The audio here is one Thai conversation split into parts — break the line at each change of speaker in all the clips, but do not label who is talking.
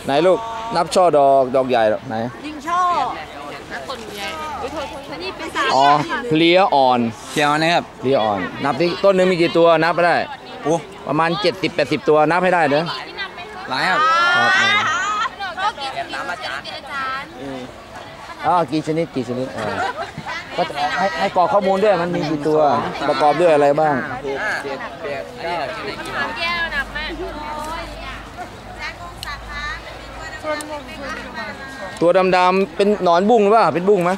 ไหนลูกนับช่อดอกใหญ่ไหน
ยิงช่อต้นใหญ่นี่เป็นสา
อ๋อเพลียอ่อน
เขียวนะครับ
เพลียอ่อนนับที่ต้นนึงมีกี่ตัวนับไปได้
โอ้
ประมาณ70-80ตัวนับให้ได้เด้อ
หลายครับ
ก็กี่ชนิดอาจารย์
กี่ชนิดก็ให้กรอกข้อมูลด้วยมันมีกี่ตัวประกอบด้วยอะไรบ้าง
แก้วหนักมาก
ตัวดำๆเป็นหนอนบุ้งหรือเปล่าเป็นบุ้งไหม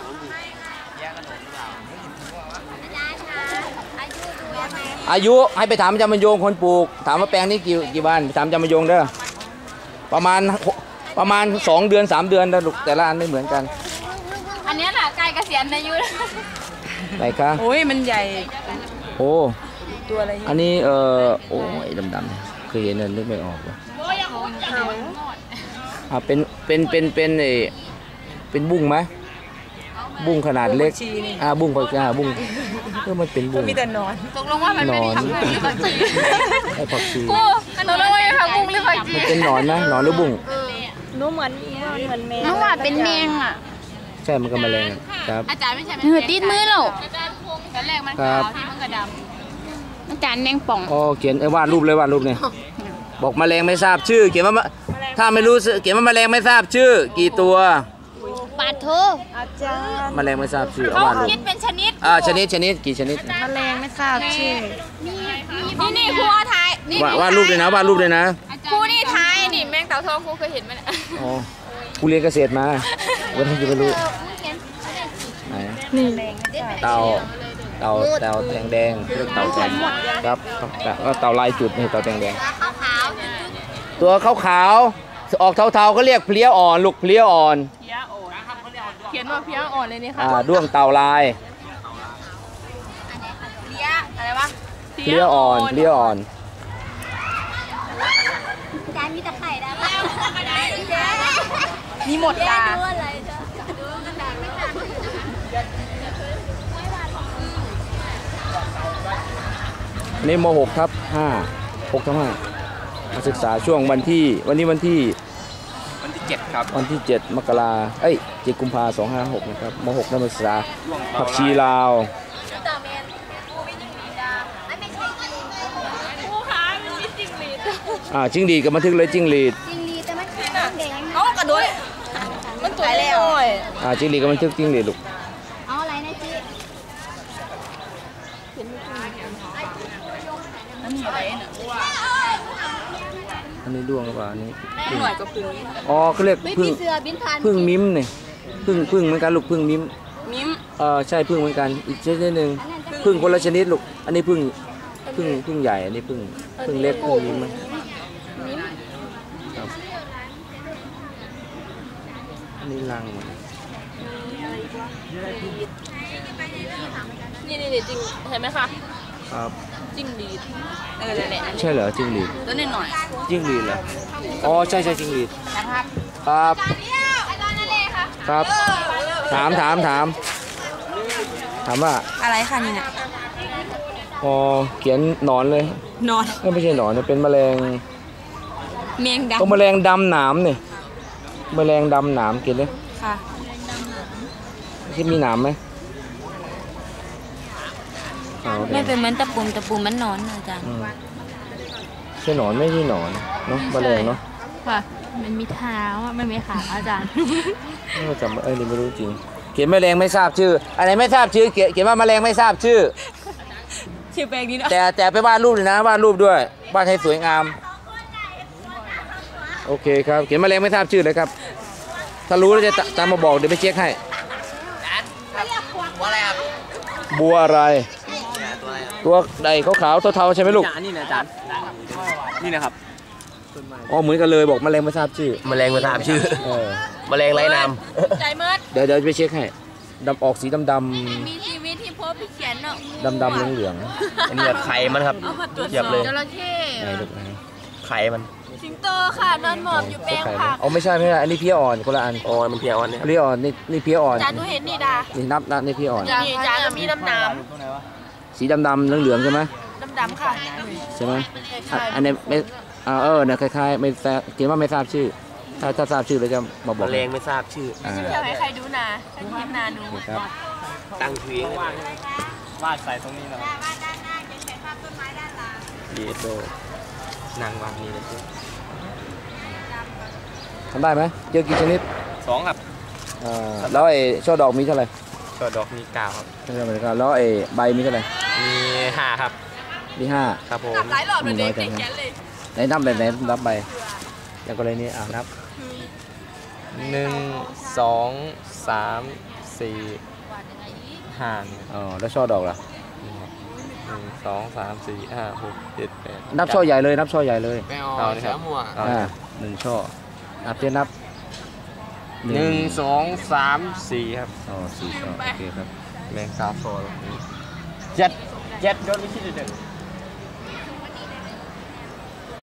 อายุให้ไปถามอาจารย์บรรยงคนปลูกถามว่าแปลงนี้กี่วันถามอาจารย์บรรยงเด้อประมาณ2 เดือน3 เดือนแล้วแต่ละอันไม่เหมือนกัน
อันนี้แหละใกล้เกษียณอายุ
ไหนคะ
โอ้ยมันใหญ่
โอ้
ตัวอะไร
อันนี้โอ้ยดำๆเคยเห็นนึกไม่ออกเลยเป็นบุ้งไหมบุ้งขนาดเล็กบุ้งบุ้งก็มันเป็นบุ้ง
มีแต่นอนตกลงว่ามันเป็นผักบุ้งหรือผักชี
ไอ้ผักชี
กูตกลงว่าเป็นผักบุ้งหรือผักชี
มันเป็นหนอนนะหนอนหรือบุ้ง
นู้เหมือนแมงนู้ว่าเป็นแมงอ่ะ
ใช่มันก็แมลงครับ
อาจารย์ไม่ใช่เหงื่อติดมือเราตอนแรกมันขาวที่มันกระดำอาจารย์แมงป่อง
เขียนวาดรูปเนี่ยบอกแมลงไม่ทราบชื่อเขียนว่าถ้าไม่รู้เขียนว่าแมลงไม่ทราบชื่อกี่ตัว
ปาโทอาจารย์
แมลงไม่ทราบชื่อ
เขาคิดเป็นชนิด
ชนิดกี่ชนิด
แมลงไม่ทราบชื่อนี่ครูไทย
วาดรูปเลยนะ
ครูนี่ไทยนี่แมงเต่าทองครูเคยเห็นไหม
อ๋อครูเรียนเกษตรมาวันนี้จะไม่รู้ไหน
นี่
เต่าแดงเรียกเต่าแดงครับก็เต่าลายจุดนี่เต่าแดงตัวขาวออกเทาๆก็เรียกเพลี้ยอ่อนลูกเพลี้ยอ่อน
เขียนว่าเพลี้ยอ่อนเลยนี่ค่ะ
ด้วงเต่าลาย
เพลี้ยอะไรวะ
เพลี้ยอ่อน
การมีตะไคร่ได้ไหมมีหมดตา
นี่ม.6 ทับ 5 มาศึกษาช่วงวันที่
7ครับ
วันที่7 มกรา7 กุมภาพันธ์ 256นะครับม.6 นักศึกษาผักชีลาวจิ้งหรีดกับบันทึกเลยจิ้งหรีด
แต่มันแดงกระโดดมันตัวเล็ก
จิ้งหรีดกับบันทึกจิ้งหรีดลูก
เอาอะไรนะจี
อันนี้ด้วงหรือเปล่าอันนี้
หน่อยกับพึ่ง
เขาเรียกพึ่งมิ้มเนี่ยพึ่งเหมือนกันลูกพึ่งมิ้มใช่พึ่งเหมือนกันอีกชนิดหนึ่งพึ่งคนละชนิดลูกอันนี้พึ่งใหญ่อันนี้พึ่งเล็กพึ่งมิ้มอันนี้รัง
นี่จริงเห็นไหมคะ
ครับ
จิ้งหรีด
ใช่เหรอจิ้งหรีด
ตัวนิดหน่อย
จิ้งหรีดเหรอใช่จิ้งหรีด
นะครับ
ครับถามว่า
อะไรคะนี่เนี่ย
เขียนหนอนเลย
นอน
ไม่ใช่หนอนเป็นแมลง
ดำ
แมลงดำหนามเนี่ยแมลงดำหนามกินเลย
ค่ะ
ที่มีหนามไหม
ไม่เป็นเหมือนตะปุ่มมันนอนอาจารย์
ใช่หนอนไม่ใช่หนอนเนาะแมลงเนาะ
ค่ะมันมีเท้าไม่มีขาอาจารย์
ไม่จำนี่ไม่รู้จริงเขียนแมลงไม่ทราบชื่ออะไรไม่ทราบชื่อเขียนว่าแมลงไม่ทราบชื่อ
แปลงนี้เนาะ
แต่ไปวาดรูปเลยนะวาดรูปด้วยวาดให้สวยงามโอเคครับเขียนแมลงไม่ทราบชื่อเลยครับถ้ารู้แล้วจะตามมาบอกเดี๋ยวไปเช็คให้บัวอะไรตัวใดขาวๆเทาๆใช่ไหมลูก
นี่นะอาจารย์นี่นะครับ
เหมือนกันเลยบอกแมลงไม่ทราบชื่อ
แมลงไม่ทราบชื่อแมลงไร้นาม
ใจมืด
เดี๋ยวไปเช็คให้ออกสีดำ
มีชีวิตที่พบเขียนเนาะ
ดำเหลือง
อันนี้ไข่มันครับเทียบเลย
จระเข้
ไข่มัน
สิงโตค่ะนอนหมอบอยู่แปลงผัก
ไม่ใช่อันนี้เพี้ยอ่อนคนละอัน
มันเพี้ยอ่อนเนี่ย
เพี้ยอ่อนนี่เพี้ยอ่อน
จานดูเห็นนี่ดา
นี่นับนี่เพี้ยอ่อน
นี่จานจะมีน้
ำสีดำเหลืองใช่ไหม
ดำค่ะ
ใช่ไหมอันนี้ไม่เนี่ยคล้ายๆไม่เขียนว่าไม่ทราบชื่อถถ้าทราบชื่อแล้วจะมาบอก
แมลงไม่ทราบชื่อ
อ่า
เที่ยวให้ใครดูนาให้คลิปนาดู
โอเคครับ
ตั้งชื่อเอง
วาดใส่ตรงนี้นะ
เยโดนางวางนี่เลย
ทำได้ไหมเจอกี่ชนิด
2 ครับ
แล้วไอ้ช่อดอกมีเท่าไหร่
ช่อดอกมี9ครับ
ไม่ใช่เหมือนกันแล้วไอ้ใบมีเท่าไหร่
มี5ครับ
มีห้า
ครับผม
หลายรอบเลยเด็กติดแกนเลย
ไหนนับแบบไหนนับใบอย่างกรณีนี้นับ
1 2 3 4 5
อ๋อแล้วช่อดอกล่ะ
1 2 3 4 5 6 7 8
นับช่อใหญ่เลยนับช่อใหญ่เลย
เอานี่ครับ
หนึ่งช่อนับเทียนับ
1 2 3 4ครับ
อ๋อสี่ช่อโอเคครับ
แมงกาโฟลเจ็ดโดนไม่คิดเลย